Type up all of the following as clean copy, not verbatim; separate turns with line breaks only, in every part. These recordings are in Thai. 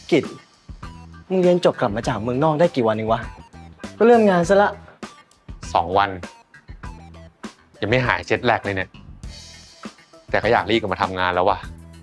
กิจมึงเรียนจบกลับมาจากเมืองนอกได้กี่วันเองวะก็เริ่มงานซะละ
2 วันยังไม่หายเจ็ตแลกเลยเนี่ยแต่ก็อยากรีบกลับมาทำงานแล้วว่ะ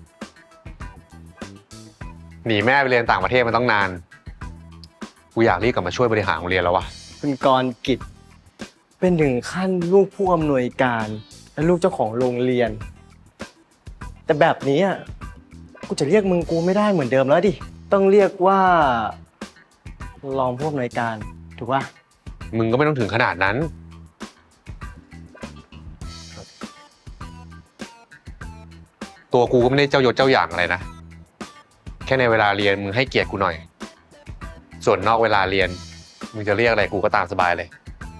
หนีแม่ไปเรียนต่างประเทศมาต้องนานกูอยากรีบกลับมาช่วยบริหารโรงเรียนแล้วว่ะ
คุณกรณ์กิจเป็นถึงขั้นลูกผู้อำนวยการและลูกเจ้าของโรงเรียน แต่แบบนี้อ่ะกูจะเรียกมึงกูไม่ได้เหมือนเดิมแล้วดิต้องเรียกว่ารองผู้อำนวยการถูกป่ะ
มึงก็ไม่ต้องถึงขนาดนั้นตัวกูก็ไม่ได้เจ้ายศเจ้าอย่างอะไรนะแค่ในเวลาเรียนมึงให้เกียรติกูหน่อยส่วนนอกเวลาเรียนมึงจะเรียกอะไรกูก็ตามสบายเลย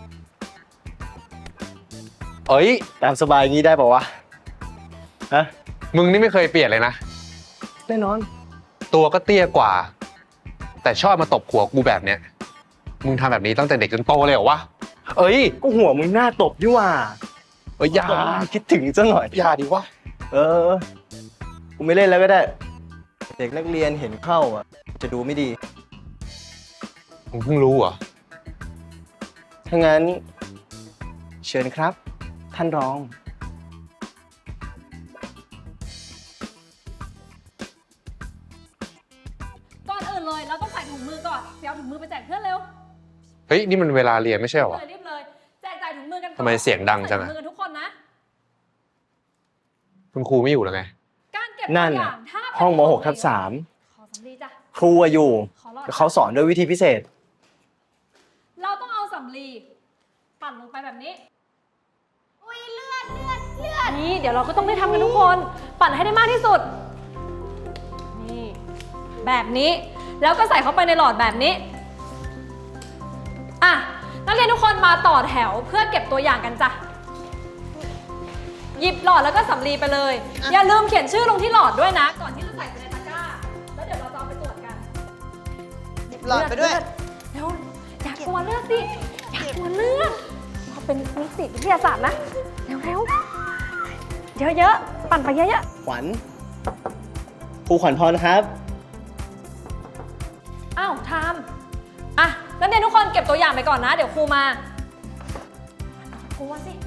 เอ้ย
ตามสบายงี้ได้ป่าวะฮะ
มึงนี่ไม่เคยเปลี่ยนเลยนะ
แน่นอน
ตัวก็เตี้ยกว่า แต่ชอบมาตบหัวกูแบบเนี้ยมึงทำแบบนี้ตั้งแต่เด็กจนโตเลยเหรอวะเอ้ย
ก็หัวมึงหน้าตบดิว่า
เอ้ยอย่า
คิดถึงซะหน่อย
อย่าดิวะ
เออกูไม่เล่นแล้วก็ได้เด็กนักเรียนเห็นเข้าอ่ะจะดูไม่ดี
มึงเพิ่งรู้เหรอ
ถ้างั้นเชิญครับ ท่านรอง
ก่อนอื่นเลยเราต้องใส่ถุงมือก่อนเดี๋ยวเอาถุงมือไปแจกเพื่อนเร็ว
เฮ้ยนี่มันเวลาเรียนไม่ใช่เหรอวะ
รีบเลยแจกจ่ายถุงมือกันก่อน
ทำไมเสียงดังจังอะ
ใส่ถุงมือกันทุกคนนะ
คุณครูไม่อยู่แล้วไง
การเก็บ
นั่น
ตัวอ
น่ะ
ย่างถ้าเป็น
ห้องม .6 ทับ
ขอสำลีจ้ะ
3ครูอะอยู่
ขอรอด
แต่เขาสอนด้วยวิธีพิเศษ
เราต้องเอาสำลีปั่นลงไปแบบนี้อุ้ยเลือดนี่เดี๋ยวเราก็ต้องได้ทำกันทุกคน ปั่นให้ได้มากที่สุดนี่แบบนี้แล้วก็ใส่เข้าไปในหลอดแบบนี้อ่ะนักเรียนทุกคนมาต่อแถวเพื่อเก็บตัวอย่างกันจ้ะหยิบหลอดแล้วก็สำลีไปเลย อย่าลืมเขียนชื่อลงที่หลอดด้วยนะ ก่อนที่จะใส่ไปในตะกร้าแล้วเดี๋ยวเราจะเอาไปตรวจกัน
หลอดไปด้วย
เร็วอยากกลัวเลือดสิอยากกลัวเลือดเขาเป็นนิสิตวิทยาศาสตร์นะเร็วเยอะๆปั่นไปเยอะ
ขวัญครูขวัญพรครับ
ๆอ้าวทามอ่ะนักเรียนทุกคนเก็บตัวอย่างไปก่อนนะ เดี๋ยวครูมาครูว่าสิ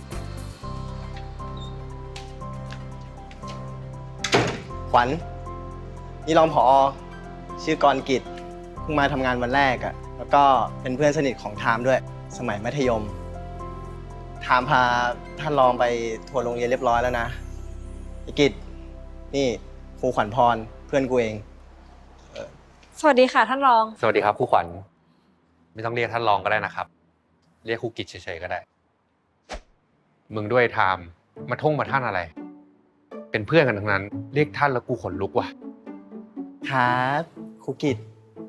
ขวัญนี่รองผอชื่อกรณ์กิจเพิ่งมาทำงานวันแรกอะแล้วก็เป็นเพื่อนสนิทของไทม์ด้วย สมัยมัธยมไทม์พาท่านรองไปทัวร์โรงเรียนเรียบร้อยแล้วนะไอ้กิจนี่ครูขวัญพรเพื่อนกูเอง
สวัสดีค่ะท่านรอง
สวัสดีครับครูขวัญไม่ต้องเรียกท่านรองก็ได้นะครับ เรียกครูกิจเฉยๆก็ได้ มึงด้วยไทม์มาท่องมาท่านอะไร เป็นเพื่อนกันทั้งนั้น เรียกท่านแล้วกูขนลุกว่ะ
ครับครูกิจ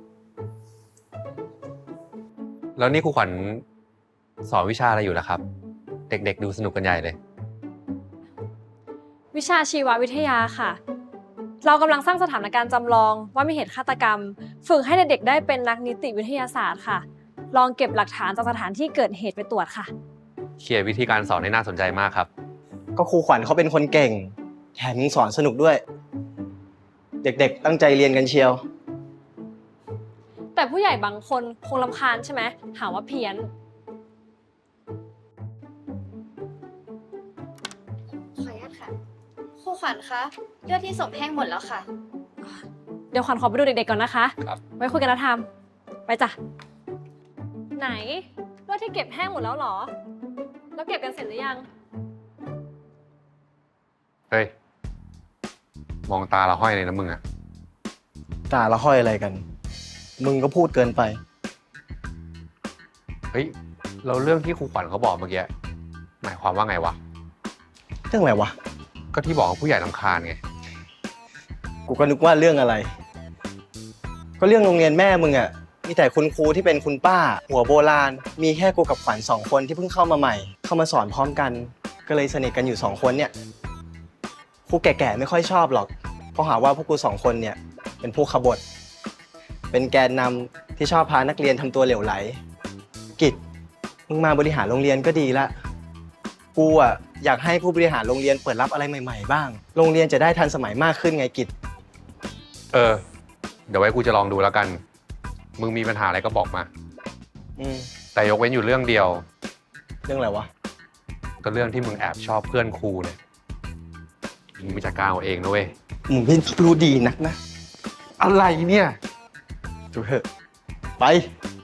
แล้วนี่ครูขวัญสอนวิชาอะไรอยู่ล่ะครับ เด็กๆดูสนุกกันใหญ่เลย
วิชาชีววิทยาค่ะ เรากำลังสร้างสถานการณ์จำลองว่ามีเหตุฆาตกรรม ฝึกให้เด็กๆได้เป็นนักนิติวิทยาศาสตร์ค่ะ ลองเก็บหลักฐานจากสถานที่เกิดเหตุไปตรวจค่ะ
เขียนวิธีการสอนให้น่าสนใจมากครับ
ก็ครูขวัญเขาเป็นคนเก่งแถมยังสอนสนุกด้วย เด็กๆตั้งใจเรียนกันเชียว
แต่ผู้ใหญ่บางคนคงรำคาญใช่ไหมหาว่าเพี้ยน
ขออนุญาตค่ะครูขวัญคะเลือดที่ศพแห้งหมดแล้วค่ะ
เดี๋ยวขวัญขอไปดูเด็กๆก่อนนะคะ
ครับ
ไว้คุยกันนะทามไปจ้ะ ไหนเลือดที่เก็บแห้งหมดแล้วเหรอ แล้วเก็บกันเสร็จหรือยัง
เฮ้ย มองตาเราห้อยเลยนะมึงอะ
ตาละห้อยอะไรกัน มึงก็พูดเกินไป
เฮ้ย เราเรื่องที่ครูขวัญเขาบอกเมื่อกี้ หมายความว่าไงวะ
เรื่องอะไรวะ
ก็ที่บอกว่าผู้ใหญ่รำคาญไง
กูก็นึกว่าเรื่องอะไร ก็เรื่องโรงเรียนแม่มึงอะมีแต่คุณครูที่เป็นคุณป้า หัวโบราณ มีแค่กูกับขวัญ2 คนที่เพิ่งเข้ามาใหม่ เข้ามาสอนพร้อมกัน ก็เลยสนิทกันอยู่2 คนเนี่ย ครูแก่ๆไม่ค่อยชอบหรอก เพราะหาว่าพวกกู2 คนเนี่ยเป็นผู้ขบฏ เป็นแกนนำที่ชอบพานักเรียนทำตัวเหลวไหล กิจ มึงมาบริหารโรงเรียนก็ดีละ กูอะอยากให้ผู้บริหารโรงเรียนเปิดรับอะไรใหม่ๆบ้าง โรงเรียนจะได้ทันสมัยมากขึ้นไงกิจ
เออเดี๋ยวไว้กูจะลองดูแล้วกัน มึงมีปัญหาอะไรก็บอกมา
อืม
แต่ยกเว้นอยู่เรื่องเดียว
เรื่องอะไรวะ
ก็เรื่องที่มึงแอบชอบเพื่อนครูเนี่ยมึงไปจัดการเอาเองนะเว้ย
มึงไม่รู้ดีนักนะ
อะไรเนี่ย
ดูเถอะ ไป